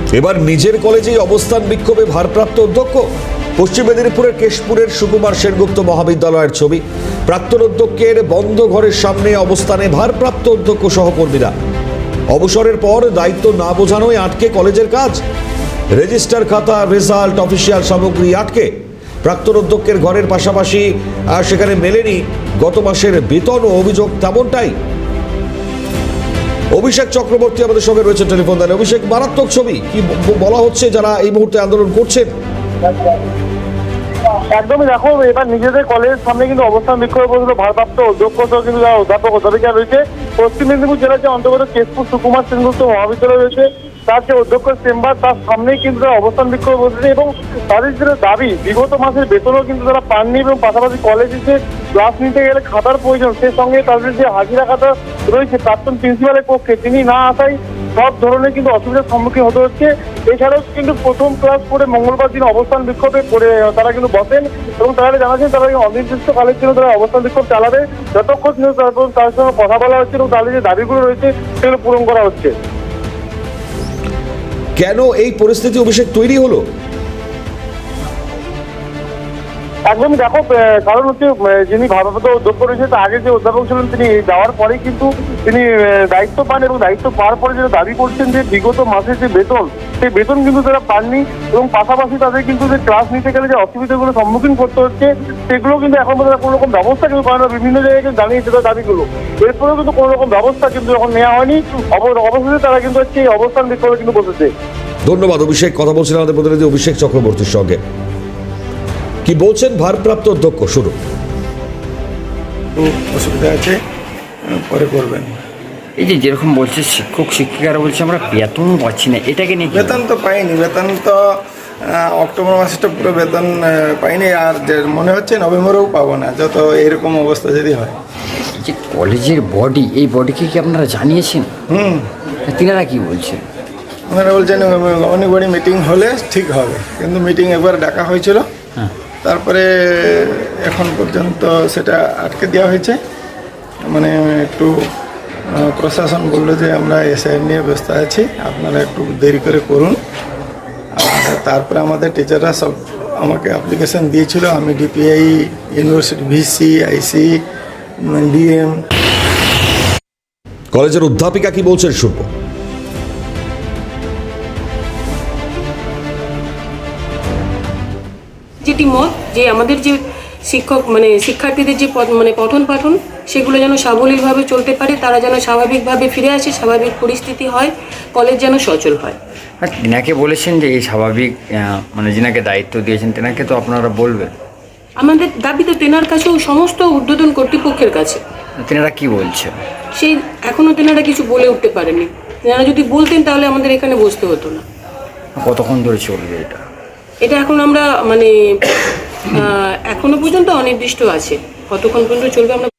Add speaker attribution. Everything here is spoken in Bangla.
Speaker 1: এবার নিজের কলেজেই অবস্থান বিক্ষোভে ভারপ্রাপ্ত অধ্যক্ষ। পশ্চিম মেদিনীপুরের কেশপুরের সুকুমার সেনগুপ্ত মহাবিদ্যালয়ের ছবি। প্রাক্তন অধ্যক্ষের বন্ধ ঘরের সামনে অবস্থানে ভারপ্রাপ্ত অধ্যক্ষ সহকর্মীরা। অবসরের পর দায়িত্ব না বোঝানোয় আটকে কলেজের কাজ। রেজিস্টার খাতা, রেজাল্ট, অফিসিয়াল সামগ্রী আটকে। প্রাক্তন অধ্যক্ষের ঘরের পাশাপাশি সেখানে মেলেনি গত মাসের বেতন ও অভিযোগ তেমনটাই। অভিষেক চক্রবর্তী আমাদের সঙ্গে রয়েছে টেলিফোন লাইনে। অভিষেক, মারাত্মক ছবি, কি বলা হচ্ছে যারা এই মুহূর্তে আন্দোলন করছেন?
Speaker 2: একদমই দেখো, এবার নিজেদের কলেজের সামনে কিন্তু অবস্থান বিক্ষোভে বসলো ভারপ্রাপ্ত অধ্যক্ষ সহ কিন্তু যারা অধ্যাপক অধ্যাপিকা রয়েছে। পশ্চিম মেদিনীপুর জেলার যে অন্তর্গত কেশপুর সুকুমার সেনগুপ্ত মহাবিদ্যালয় রয়েছে, তার যে অধ্যক্ষের চেম্বার, তার সামনেই কিন্তু তারা অবস্থান বিক্ষোভে বসেছে এবং তাদের যে দাবি, বিগত মাসের বেতনও কিন্তু তারা পাননি এবং পাশাপাশি কলেজে যে ক্লাস নিতে গেলে খাতার প্রয়োজন, সেই সঙ্গে তাদের যে হাজিরা খাতা রয়েছে প্রাক্তন প্রিন্সিপালের পক্ষে, তিনি না আসায় সব ধরনের কিন্তু অসুবিধার সম্মুখীন হতে হচ্ছে। এছাড়াও কিন্তু প্রথম ক্লাস করে মঙ্গলবার দিন অবস্থান বিক্ষোভে করে তারা কিন্তু বসেন এবং তারা জানাচ্ছেন তারা অনির্দিষ্টকালের জন্য তারা অবস্থান বিক্ষোভ চালাবে, যতক্ষণ তার সঙ্গে কথা বলা হচ্ছে এবং তাদের যে দাবিগুলো রয়েছে সেগুলো পূরণ করা হচ্ছে।
Speaker 1: কেন এই পরিস্থিতি অভিষেক তৈরি হলো?
Speaker 2: একদমই দেখো, কারণ হচ্ছে যিনি ভারপ্রাপ্ত অধ্যক্ষ রয়েছে, তার আগে যে অধ্যাপক ছিলেন তিনি যাওয়ার পরেই কিন্তু তিনি দায়িত্ব পান এবং দায়িত্ব পাওয়ার পরে যেটা দাবি করছেন যে বিগত মাসের যে বেতন, সেই বেতন কিন্তু তারা পাননি এবং পাশাপাশি তাদের কিন্তু যে ক্লাস নিতে গেলে যে অসুবিধাগুলো সম্মুখীন করতে হচ্ছে, সেগুলো কিন্তু এখন পর্যন্ত কোনো রকম ব্যবস্থা কিন্তু পায় না। বিভিন্ন জায়গায় কিন্তু জানিয়েছে তার দাবিগুলো, এরপরেও কিন্তু কোনো রকম ব্যবস্থা কিন্তু এখন নেওয়া হয়নি। অবশেষে তারা কিন্তু হচ্ছে এই অবস্থান বিক্ষোভে কিন্তু বসেছে।
Speaker 1: ধন্যবাদ অভিষেক। কথা বলছিলাম আমাদের প্রতিনিধি অভিষেক চক্রবর্তীর সঙ্গে। কি বলছেন ভারপ্রাপ্ত অধ্যক্ষ? শুরু।
Speaker 3: অসুবিধা আছে, পরে করবেন।
Speaker 4: এই যে যেরকম বলছে শিক্ষক শিক্ষিকারা বলছে আমরা বেতন পাচ্ছি না, এটাকে নিয়ে
Speaker 3: বেতন তো পাইনি, বেতন তো অক্টোবর মাসটা পুরো বেতন পাইনি, আর মনে হচ্ছে নভেম্বরেও পাবো না, যত এরকম অবস্থা যদি হয়।
Speaker 4: যে কলেজের বডি, এই বডিকে কি আপনারা জানিয়েছেন? তিনারা কি বলছেন?
Speaker 3: ওনারা বলছেন অনেক বড় মিটিং হলে ঠিক হবে, কিন্তু মিটিং একবার ডাকা হয়েছিল, তারপরে এখন পর্যন্ত সেটা আটকে দেওয়া হয়েছে। মানে একটু প্রশাসন বললো যে আমরা এসআই নিয়ে ব্যস্ত আছি, আপনারা একটু দেরি করে করুন। আর তারপরে আমাদের টিচাররা সব আমাকে অ্যাপ্লিকেশন দিয়েছিল, আমি DPI, university VC, IC, DM.
Speaker 1: কলেজের অধ্যাপিকা কি বলছেন শুনবো।
Speaker 5: যেটি মত যে আমাদের যে শিক্ষক শিক্ষার্থীদের যে পঠন পাঠন সেগুলো যেন সাবলীলভাবে চলতে পারে, তারা যেন স্বাভাবিকভাবে ফিরে আসে, স্বাভাবিক পরিস্থিতি হয়, কলেজ যেন সচল হয়।
Speaker 4: আর তিনাকে বলেছেন যে এই স্বাভাবিক যিনাকে দায়িত্ব দিয়েছেন তেনাকে তো আপনারা বলবেন।
Speaker 5: আমাদের দাবি তো তেনার কাছেও, সমস্ত ঊর্ধ্বতন কর্তৃপক্ষের কাছে।
Speaker 4: তেনারা কি বলছে?
Speaker 5: সেই এখনও তেনারা কিছু বলে উঠতে পারেনি। তেনারা যদি বলতেন তাহলে আমাদের এখানে বসতে হতো না।
Speaker 4: কতক্ষণ ধরে চলবে এটা?
Speaker 5: এটা এখন আমরা এখনো পর্যন্ত অনির্দিষ্ট আছে, কতক্ষণ পর্যন্ত চলবে আমরা